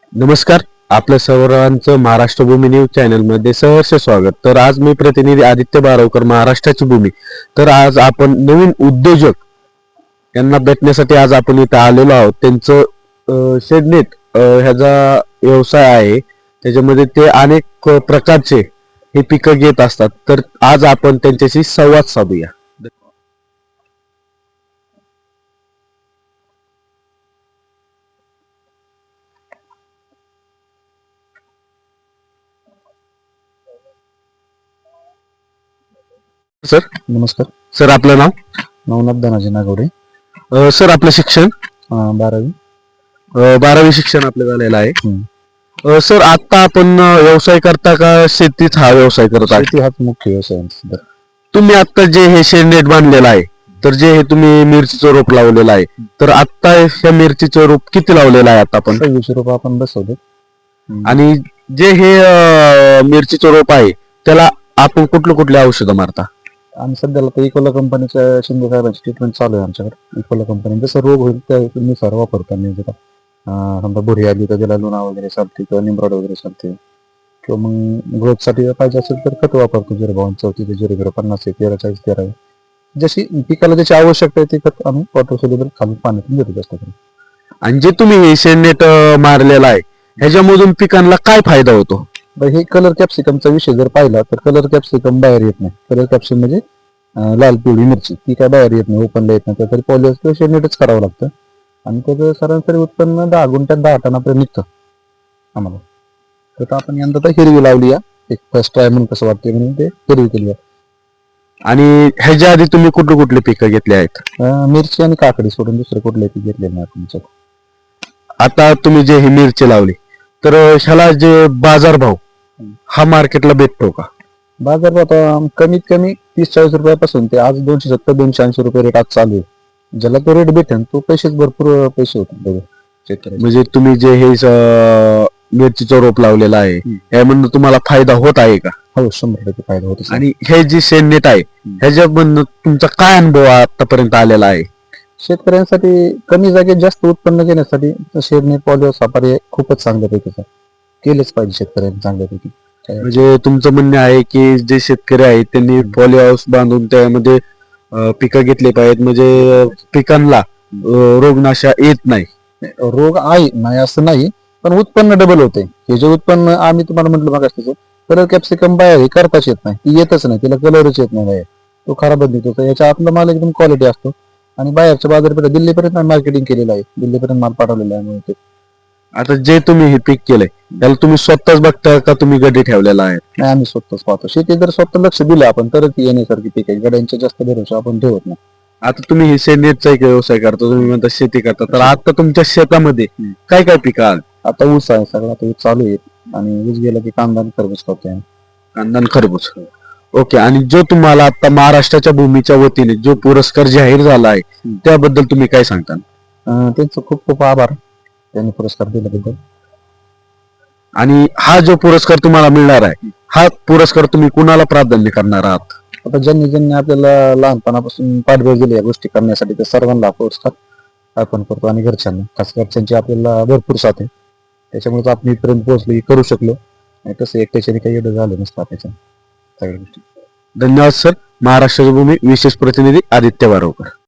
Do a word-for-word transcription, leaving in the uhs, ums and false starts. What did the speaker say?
नमस्कार. आपल्या सर्वांचं महाराष्ट्र भूमी न्यूज चॅनल मध्ये सहर्ष स्वागत. तर आज मी प्रतिनिधी आदित्य बारावकर, महाराष्ट्राची भूमी. तर आज आपण नवीन उद्योजक यांना भेटण्यासाठी आज आपण इथे आलेलो आहोत. त्यांचं शेडनेट ह्याचा व्यवसाय आहे, त्याच्यामध्ये ते अनेक प्रकारचे हे पिकं घेत असतात. तर आज आपण त्यांच्याशी संवाद साधूया. सर नमस्कार. सर आपलं नाव? नवनाथ धनाजी नागवडे. अ, सर आपलं शिक्षण? अं, बारावी. अ, बारावी शिक्षण आपलं झालेलं आहे. हम्म. अ, सर आता आपण अ, व्यवसाय करता का शेतीत हा व्यवसाय करत आहे? शेती हाच मुख्य व्यवसाय आहे आमचा सध्या. तुम्ही आता जे हे शेड नेट बांधलेलं आहे, तर जे हे तुम्ही मिरचीचं रोप लावलेलं आहे, तर आता ह्या मिरचीचं रोप किती लावलेलं आहे आता आपण? सव्वीसशे रुपये आपण बसवले. आणि जे हे अ, मिरचीचं रोप आहे त्याला आपण कुठले कुठले औषधं मारता? आणि सध्याला तर इकोला कंपनीच्या शिंदे साहेबांची ट्रीटमेंट चालू आहे आमच्याकडे. इकोला कंपनी जसं रोग होईल त्यानुसार वापरतो आम्ही. जरा अं, समजा बुरी आली तर त्याला लुणा वगैरे चालते किंवा निमरॉड वगैरे चालते, किंवा मग ग्रोथ साठी पाहिजे असेल तर खत वापरतो. झिरो बावन चौतीस झिरो झिरो पन्नास आहे, तेरा चाळीस तेरा आहे. जशी पिकाला त्याची आवश्यकता आहे ते खत आम्ही वॉटर सोल्युबल खालून पाण्यातून देतो जास्त करून. आणि जे तुम्ही हे शेड नेट मारलेलं आहे ह्याच्यामधून पिकांना काय फायदा होतो? बरं, हे कलर कॅप्सिकमचा विषय जर पाहिला तर कलर कॅप्सिकम बाहेर येत नाही. कलर कॅप्सिकम म्हणजे अं, लाल पिवळी मिरची ती काय बाहेर येत नाही, ओपनला येत नाही. त्यासाठी पॉलिश किंवा शेडनेटच करावं लागतं. आणि त्याचं सरासरी उत्पन्न दहा गुंठ्यात दहा टनापर्यंत निघतं आम्हाला. तर आपण यंदा तर हिरवी लावली आहे, एक फर्स्ट ट्राय म्हणून कसं वाटते म्हणून ते हिरवी केली आहे. आणि ह्याच्या आधी तुम्ही कुठले कुठले पिकं घेतले आहेत? अं, मिरची आणि काकडी सोडून दुसरे कुठले पीक घेतले नाही आपण याच्यात. आता तुम्ही जे ही मिरची लावली, तर ह्याला जे बाजारभाव हा मार्केटला भेटतो का? बाजार आता कमीत कमी तीस चाळीस रुपयापासून ते आज दोनशे सत्तर दोनशे ऐंशी रुपये रेट आज चालू आहे. ज्याला तो रेट भेटेल तो पैसेच भरपूर पैसे होते शेतकऱ्याचे. म्हणजे तुम्ही जे हे स- मिरचीचं रोप लावलेलं आहे यामधून तुम्हाला फायदा होत आहे का? हो, शंभर टक्के फायदा होतो. आणि हे जे शेडनेट आहे ह्याच्यामधून तुमचा काय अनुभव आतापर्यंत आलेला आहे? शेतकऱ्यांसाठी कमी जागेत जास्त उत्पन्न घेण्यासाठी शेडनेट पॉलिओस हा पर्याय खूपच चांगल्यापैकी केलेच पाहिजे शेतकऱ्यांनी चांगल्यापैकी. म्हणजे तुमचं म्हणणं आहे की जे शेतकरी आहेत त्यांनी पॉली हाऊस बांधून त्यामध्ये अं, पिकं घेतली पाहिजेत, म्हणजे अं, पिकांना अं, रोगनाशा येत नाही. रोग आहे नाही असं नाही, पण उत्पन्न डबल होते. हे जे उत्पन्न आम्ही तुम्हाला म्हटलं बघा तसं कलर कॅप्सिकम बाहेर हे करताच येत नाही, ती येतच नाही, तिला कलरच येत नाही बाहेर, तो खराबच निघतो. तर याच्या आतला माल एकदम क्वालिटी असतो. आणि बाहेरच्या बाजारपेठा दिल्लीपर्यंत मार्केटिंग केलेलं आहे, दिल्लीपर्यंत माल पाठवलेला आहे. म्हणून ते आता जे तुम्ही हे पीक केलंय त्याला तुम्ही स्वतःच बघता का तुम्ही गडी ठेवलेला आहे? नाही, आम्ही स्वतःच पाहतो. शेती जर स्वतः लक्ष दिलं आपण तरच ती येण्यासारखी पीक आहे. गड्यांच्या जास्त भरोसा आपण ठेवत नाही. आता तुम्ही हे शेडनेटचा एक व्यवसाय करता, तुम्ही म्हणता शेती करता, तर आता तुमच्या शेतामध्ये काय काय पिकं आहेत? आता ऊस आहे सगळा, आता ऊस चालू आहे. आणि ऊस गेला की कांदा आणि खरबूज करतोय. कांदा आणि खरबूज. ओके. आणि जो तुम्हाला आता महाराष्ट्राच्या भूमीच्या वतीने जो पुरस्कार जाहीर झाला आहे त्याबद्दल तुम्ही काय सांगता? अं, त्यांचं खूप खूप आभार, त्यांनी पुरस्कार दिल्याबद्दल. आणि हा जो पुरस्कार तुम्हाला मिळणार आहे हा पुरस्कार तुम्ही कुणाला प्राधान्य करणार आहात? आता ज्यांनी ज्यांनी आपल्याला लहानपणापासून पाठबळ दिली या गोष्टी करण्यासाठी त्या सर्वांना हा पुरस्कार अर्पण करतो. आणि घरच्यांना, खास घरच्यांची आपल्याला भरपूर साथ आहे, त्याच्यामुळे आपण इथपर्यंत पोहोचलो, हे करू शकलो. आणि तसं एकट्याच्याने काही एवढं झालं नसतं त्याच्या सगळ्या गोष्टी. धन्यवाद सर. महाराष्ट्राची भूमी विशेष प्रतिनिधी आदित्य बारावकर.